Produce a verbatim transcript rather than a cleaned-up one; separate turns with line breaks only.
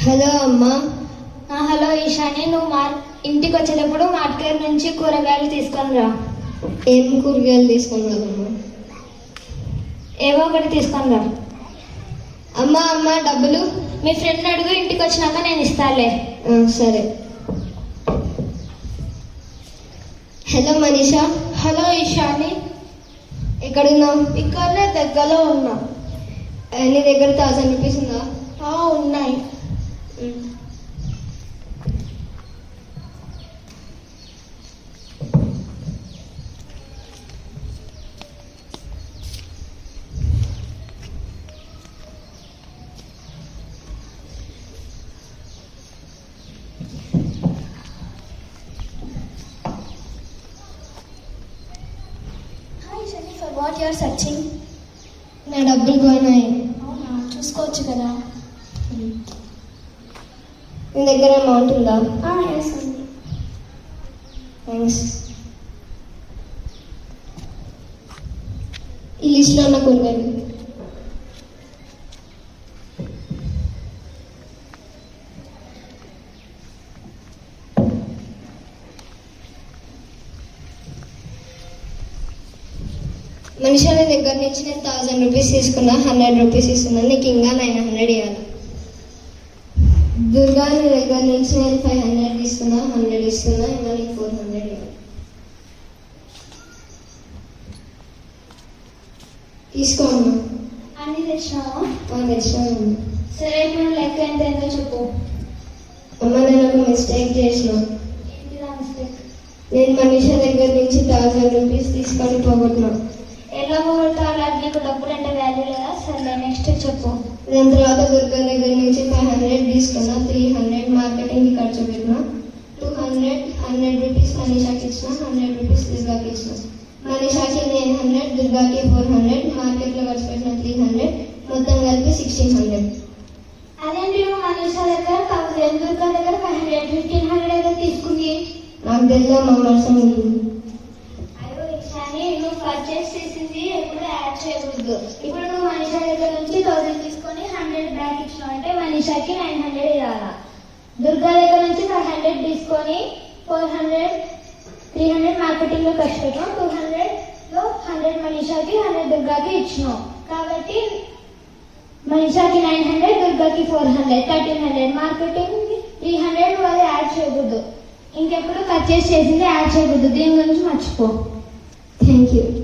Hello అమ్మా.
Hello Eshani, నువ్వు మా ఇంటికి వచ్చేటప్పుడు మార్కెట్ నుంచి కూరగాయలు తీసుకొని రా.
ఏం కూరగాయలు తీసుకొని రాదమ్మా?
ఏవో ఒకటి తీసుకొని రా.
అమ్మా అమ్మా డబ్బులు
మీ ఫ్రెండ్ అడుగు, ఇంటికి వచ్చినాక నేను ఇస్తాలే.
సరే. హలో మనీషా.
హలో ఈశాని,
ఎక్కడున్నావు?
ఇక్కడనే దగ్గరలో ఉన్నా.
నీ దగ్గర థౌసండ్ రూపీస్ ఉందా?
ఉన్నాయి.
For what you are searching?
నా డబ్బులు పోయినాయి.
అవునా, చూసుకోవచ్చు కదా.
నీ దగ్గర అమౌంట్ ఉందా?
ఎస్ ఉంది.
థ్యాంక్స్. ఈ లిస్ట్లో ఉన్న కూరగాయలు. మనిషి నీ దగ్గర నుంచి నేను థౌజండ్ రూపీస్ తీసుకున్నా, హండ్రెడ్ రూపీస్ ఇస్తున్నా, నీకు ఇంకా నైన్ హండ్రెడ్ ఇవ్వాలి. దుర్గా నీ దగ్గర నుంచి నేను ఫైవ్ హండ్రెడ్ తీసుకున్నా, హండ్రెడ్ ఇస్తున్నా, ఇంకా నీకు ఫోర్ హండ్రెడ్ ఇవ్వాలి. తీసుకో అమ్మా.
అన్ని తెచ్చినావా?
తెచ్చినాను.
సరే, ఇప్పుడు లెక్క ఎంత ఎంతో చెప్పు.
అమ్మ నేను ఒక మిస్టేక్ చేసిన.
ఏంటిదా మిస్టేక్?
నేను మనిషి దగ్గర నుంచి థౌజండ్ రూపీస్ తీసుకొని పోగొట్టినా.
ఎలా పోగొడతావు? నీకు డబ్బులు అంటే వాల్యూ లేదా? సరే, నెక్స్ట్ చెప్పు.
దాని తర్వాత దుర్గా దగ్గర నుంచి ఫైవ్ హండ్రెడ్ తీసుకున్నా, త్రీ హండ్రెడ్ మార్కెటింగ్కి ఖర్చు పెట్టినా, టూ హండ్రెడ్ హండ్రెడ్ రూపీస్ మనీషాకి ఇచ్చిన, హండ్రెడ్ రూపీస్ దుర్గాకి ఇచ్చిన. మనీషాకి నైన్ హండ్రెడ్, దుర్గాకి ఫోర్ హండ్రెడ్, మార్కెట్లో ఖర్చు పెట్టిన త్రీ హండ్రెడ్, మొత్తం కలిపి సిక్స్టీన్ హండ్రెడ్.
అదేంటి నువ్వు మనీషా దగ్గర థౌసండ్, దుర్గా దగ్గర ఫైవ్ హండ్రెడ్, ఫిఫ్టీన్ హండ్రెడ్ అయితే తీసుకుంది?
నాకు తెలియదు మా మర్సం.
అయ్యో ఈశాని, నువ్వు పర్చేస్ చేసింది ఎప్పుడు యాడ్ చేయకూడదు. ఇప్పుడు నువ్వు మనీషా దగ్గర నుంచి థౌసండ్ తీసుకొని హండ్రెడ్ బ్యాక్ ఇచ్చినావు అంటే మనీషాకి నైన్ హండ్రెడ్ ఇవ్వాలా. దుర్గా దగ్గర నుంచి ఫైవ్ హండ్రెడ్ తీసుకొని four hundred three hundred marketing లో ఖర్చు పెట్టాం, టూ హండ్రెడ్ లో హండ్రెడ్ మనీషాకి, హండ్రెడ్ దుర్గాకి ఇచ్చినావు. కాబట్టి మనీషాకి నైన్ హండ్రెడ్, దుర్గాకి four hundred, thirteen hundred, marketing three hundred. నువ్వు అది యాడ్ చేయకూడదు. ఇంకెప్పుడు పర్చేస్ చేసింది యాడ్ చేయకూడదు. దీని గురించి మర్చిపో.
Thank you.